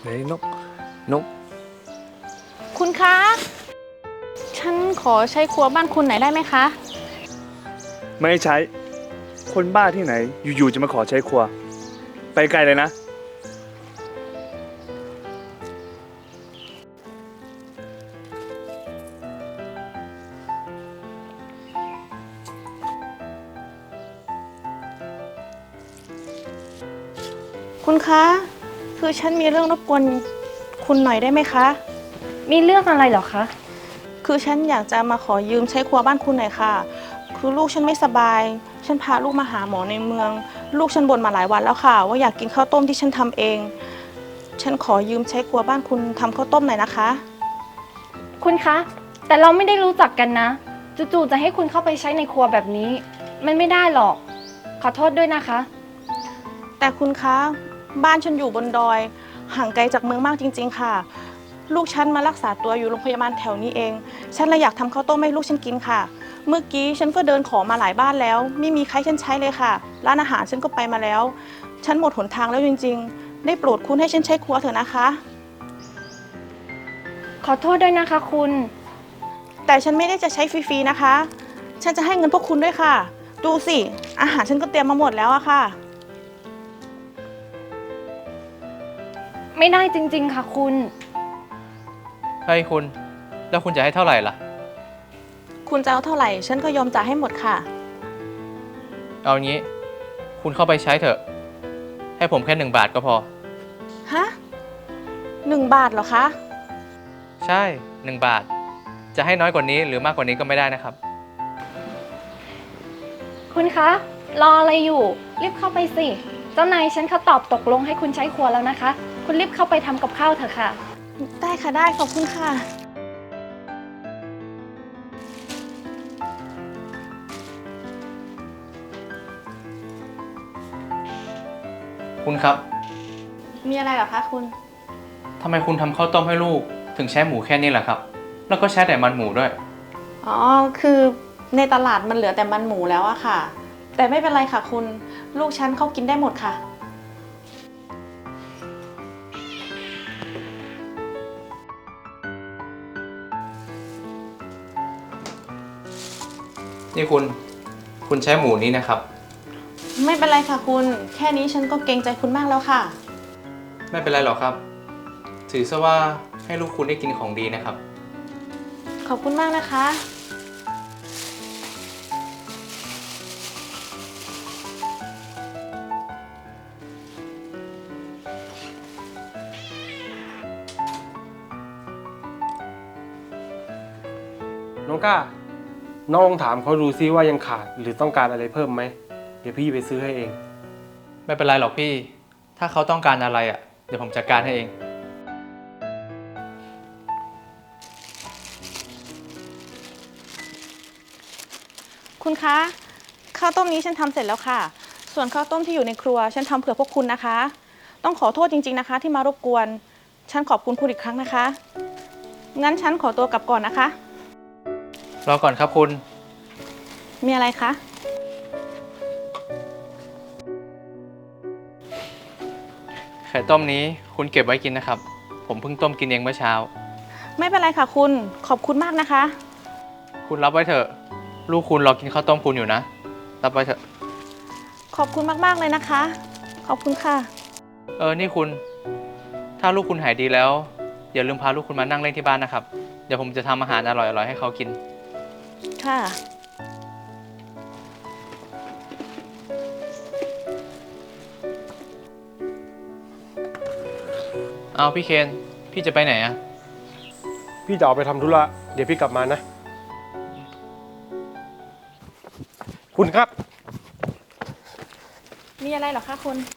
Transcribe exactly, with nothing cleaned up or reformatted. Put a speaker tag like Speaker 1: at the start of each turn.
Speaker 1: ฮ้ยนกนก
Speaker 2: คุณคะ ฉันขอใช้ครัวบ้านคุณหน่อยได้ไหมคะ
Speaker 1: ไม่ใช้คนบ้าที่ไหนอยู่ๆจะมาขอใช้ครัวไปไกลเลยนะ
Speaker 2: คุณคะ คือฉันมีเรื่องรบกวนคุณหน่อยได้ไหมคะ
Speaker 3: มีเรื่องอะไรเหรอคะ
Speaker 2: คือฉันอยากจะมาขอยืมใช้ครัวบ้านคุณหน่อยค่ะ คือลูกฉันไม่สบาย ฉันพาลูกมาหาหมอในเมือง ลูกฉันบ่นมาหลายวันแล้วค่ะ ว่าอยากกินข้าวต้มที่ฉันทำเอง ฉันขอยืมใช้ครัวบ้านคุณทำข้าวต้มหน่อยนะคะ
Speaker 3: คุณคะ แต่เราไม่ได้รู้จักกันนะ จู่ๆจะให้คุณเข้าไปใช้ในครัวแบบนี้ มันไม่ได้หรอก ขอโทษด้วยนะคะ
Speaker 2: แต่คุณคะ บ้านฉันอยู่บนดอย ห่างไกลจากเมืองมากจริงๆค่ะ ลูกฉันมารักษาตัวอยู่โรงพยาบาลแถวนี้เอง ฉันเลยอยากทำข้าวต้มให้ลูกฉันกินค่ะ เมื่อกี้ฉันก็เดินขอมาหลายบ้านแล้ว ไม่มีใครฉันใช้เลยค่ะ ร้านอาหารฉันก็ไปมาแล้ว ฉันหมดหนทางแล้วจริงๆ ได้โปรดคุณให้ฉันใช้ครัวเถอะนะคะ
Speaker 3: ขอโทษด้วยนะคะคุณ
Speaker 2: แต่ฉันไม่ได้จะใช้ฟรีๆนะคะ ฉันจะให้เงินพวกคุณด้วยค่ะ ดูสิ อาหารฉันก็เตรียมมาหมดแล้วอะค่ะ
Speaker 3: ไม่ได้จริงๆค่ะคุณ
Speaker 4: เฮ้ยคุณ แล้วคุณจะให้เท่าไหร่ล่ะ
Speaker 2: คุณจะเอาเท่าไหร่ ฉันก็ยอมจ่ายให้หมดค่ะ
Speaker 4: เอางี้ คุณเข้าไปใช้เถอะ ให้ผมแค่หนึ่งบาทก็พอ
Speaker 2: ฮะหนึ่งบาทเหรอคะ
Speaker 4: ใช่หนึ่งบาท จะให้น้อยกว่านี้หรือมากกว่านี้ก็ไม่ได้นะครับ
Speaker 3: คุณคะ รออะไรอยู่ รีบเข้าไปสิ เจ้านายฉันเขาตอบตกลงให้คุณใช้ครัวแล้วนะคะ คุณรีบเข้าไปทำกับข้าวเถอะค่ะ
Speaker 2: ได้ค่ะได้ขอบคุณค่ะ
Speaker 4: คุณครับ
Speaker 2: มีอะไรเหรอคะคุณ
Speaker 4: ทำไมคุณทำข้าวต้มให้ลูก ถึงใช้หมูแค่นี้ล่ะครับ แล้วก็ใช้แต่มันหมูด้วย
Speaker 2: อ๋อ คือในตลาดมันเหลือแต่มันหมูแล้วอะค่ะ แต่ไม่เป็นไรค่ะคุณ ลูกฉันเขากินได้หมดค่ะ
Speaker 4: นี่คุณ คุณใช้หมูนี้นะครับ
Speaker 2: ไม่เป็นไรค่ะคุณ แค่นี้ฉันก็เกรงใจคุณมากแล้วค่ะ
Speaker 4: ไม่เป็นไรหรอกครับ ถือซะว่าให้ลูกคุณได้กินของดีนะครับ
Speaker 2: ขอบคุณมากนะคะ
Speaker 5: น้องก้า น้องลองถามเขาดูซิว่ายังขาดหรือต้องการอะไรเพิ่มไหม เดี๋ยวพี่ไปซื้อให้เอง
Speaker 4: ไม่เป็นไรหรอกพี่ ถ้าเขาต้องการอะไรอ่ะ เดี๋ยวผมจัดการให้เอง
Speaker 2: คุณคะ ข้าวต้มนี้ฉันทำเสร็จแล้วค่ะ ส่วนข้าวต้มที่อยู่ในครัว ฉันทำเผื่อพวกคุณนะคะ ต้องขอโทษจริงๆนะคะ ที่มารบกวน ฉันขอบคุณคุณอีกครั้งนะคะ งั้นฉันขอตัวกลับก่อนนะคะ
Speaker 4: รอก่อนครับคุณ
Speaker 2: มีอะไรคะ
Speaker 4: ไข่ต้มนี้คุณเก็บไว้กินนะครับ ผมเพิ่งต้มกินเองเมื่อเช้า
Speaker 2: ไม่เป็นไรค่ะคุณ ขอบคุณมากนะคะ
Speaker 4: คุณรับไว้เถอะ ลูกคุณรอกินข้าวต้มคุณอยู่นะ รับไว้เถอะ
Speaker 2: ขอบคุณมากๆเลยนะคะ ขอบคุณค่ะ
Speaker 4: เออ นี่คุณ ถ้าลูกคุณหายดีแล้ว อย่าลืมพาลูกคุณมานั่งเล่นที่บ้านนะครับ เดี๋ยวผมจะทำอาหารอร่อยๆให้เขากิน
Speaker 2: ค่ะ
Speaker 4: เอาพี่เคน พี่จะไปไหนอะ
Speaker 5: พี่จะออกไปทำธุระ เดี๋ยวพี่กลับมานะ คุณครับ
Speaker 2: มีอะไรเหรอคะคุณ